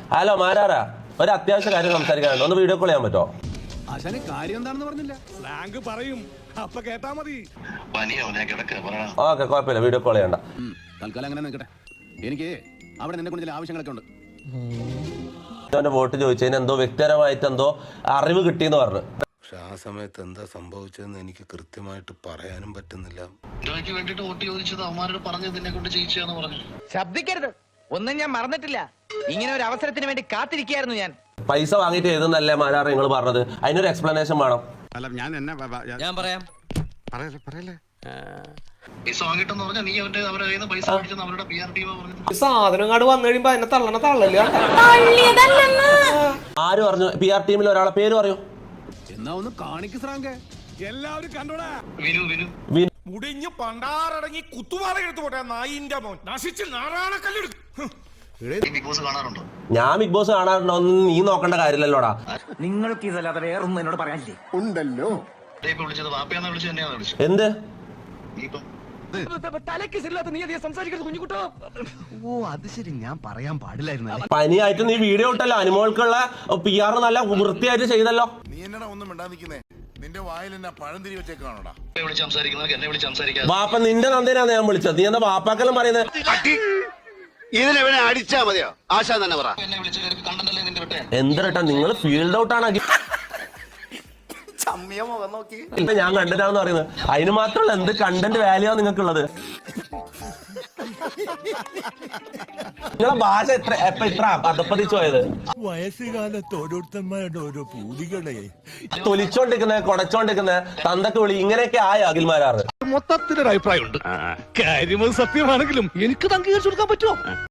Hello മാരാറാ, ഒരു അത്യാവശ്യ കാര്യം സംസാരിക്കാനുണ്ട്. ഒന്ന് വീഡിയോ കോൾ ചെയ്യാൻ പറ്റുമോ? കാര്യം എന്താണെന്ന് പറഞ്ഞില്ല. സ്ലാങ് പറയും, അപ്പൊ കേട്ടാ മതി. ഓക്കെ, കുഴപ്പമില്ല, വീഡിയോ കോൾ ചെയ്യണ്ട. തൽക്കാലം അങ്ങനെ നിൽക്കട്ടെ. എനിക്ക് അവിടെ നിന്നെ കൊണ്ട് ചില ആവശ്യങ്ങളൊക്കെ ഉണ്ട്. അവന്റെ വോട്ട് ചോദിച്ചതിന് എന്തോ വ്യക്തിപരമായിട്ട് എന്തോ അറിവ് കിട്ടിയെന്ന് പറഞ്ഞു. പക്ഷെ ആ സമയത്ത് എന്താ സംഭവിച്ചതെന്ന് എനിക്ക് കൃത്യമായിട്ട് പറയാനും പറ്റുന്നില്ല. വേണ്ടിട്ട് വോട്ട് ചോദിച്ചത് അവന്മാരോട് പറഞ്ഞത് നിന്നെ കൊണ്ട് ചെയ്യിച്ചാന്ന് പറഞ്ഞു. ശബ്ദിക്കരുത്, ഒന്നും ഞാൻ മറന്നിട്ടില്ല. ഇങ്ങനെ ഒരു അവസരത്തിന് വേണ്ടി കാത്തിരിക്കുകയായിരുന്നു ഞാൻ. പൈസ വാങ്ങിയിട്ട് എഴുതുന്നല്ലേ മാരാറ് നിങ്ങൾ പറഞ്ഞത്? അതിനൊരു എക്സ്പ്ലനേഷൻ വേണം. അല്ല ഞാൻ പറയാം. പറയല്ലേ. പൈസ വാങ്ങിട്ടെന്ന് പറഞ്ഞാൽ നീ അവരുടെ കയ്യിൽ നിന്ന് പൈസ മേടിച്ചെന്ന് അവരുടെ PR ടീം പറഞ്ഞു. സാധനം കാട് വന്നു കഴിയുമ്പോ അതിനെ തള്ളല്ല. ആര് പറഞ്ഞു? PR ടീമിൽ ഒരാളെ പേര് പറയൂ. എന്നാ ഒന്ന് കാണിക്ക് സ്രാങ്കേ. എല്ലാവരും കണ്ടോടാ. വിനു മുടിഞ്ഞ് പണ്ടാറടങ്ങി കുത്തുപാറ എടുത്തു പോട്ടെ നായിന്റെ മോൻ നശിച്ച് നാറാണക്കല്ലെടുക്കും. ബിഗ് ബോസ് കാണാറുണ്ടോ? ഞാൻ ബിഗ് ബോസ് കാണാറുണ്ടോ? നീ നോക്കേണ്ട കാര്യമില്ലല്ലോടാ. നിങ്ങൾക്ക് ഇതല്ലാതെ വേറൊന്നും എന്നോട് പറയാനില്ലേ? ഉണ്ടല്ലോ. ഇപ്പൊ വിളിച്ചത് വാപ്പയാന്ന് വിളിച്ചത് തന്നെയാണ് വിളിച്ചത്. എന്ത് നീ ഇപ്പം ഓ അത് ശരി, ഞാൻ പറയാൻ പാടില്ലായിരുന്നു. പനിയായിട്ട് നീ വീഡിയോ ഇട്ടല്ലോ, അനുമോൾക്കുള്ള PR നല്ല വൃത്തിയായിട്ട് ചെയ്തല്ലോ. നീ എന്നടാ ഒന്നും മിണ്ടാതിരിക്കുന്നേ? നിന്റെ വായിൽ എന്നാ പഴം തിരി വെച്ചേക്കാണോടാ? വിളിച്ച് സംസാരിക്കുന്നത് എന്നെ വിളിച്ച് സംസാരിക്കാതെ. വാപ്പ നിന്റെ നന്ദിനാണ് ഞാൻ വിളിച്ചത്. നീ എന്താ വാപ്പാക്കെല്ലാം പറയുന്നത്? ഇതിനെവനെ അടിച്ചാ മതിയോ? ആശാൻ തന്നെ പറ. എന്നെ വിളിച്ച് കണ്ടല്ലേ നിന്റെ വിട്ടേ. എന്തരട്ടാ നിങ്ങൾ ഫീൽഡ് ഔട്ടാണ്. ഇപ്പൊ ഞാൻ കണ്ടതാന്ന് പറയുന്നത്. അതിന് മാത്രമല്ല എന്ത് കണ്ടന്റ് വാല്യൂ നിങ്ങൾക്കുള്ളത്. നിങ്ങളെ ഭാഷ ഇത്ര അധപ്പതിച്ചു പോയത്. വയസ്സുകാലത്ത് ഓരോരുത്തന്മാരുടെ ഓരോ പൂതികളെ തൊലിച്ചോണ്ടിരിക്കുന്ന കൊടച്ചോണ്ടിരിക്കുന്ന തന്തക്ക് വിളി ഇങ്ങനെയൊക്കെ ആയ അഖിൽമാരാറ്. മൊത്തത്തിലൊരു അഭിപ്രായമുണ്ട്. കാര്യം സത്യമാണെങ്കിലും എനിക്ക് അംഗീകരിച്ചു കൊടുക്കാൻ പറ്റുമോ?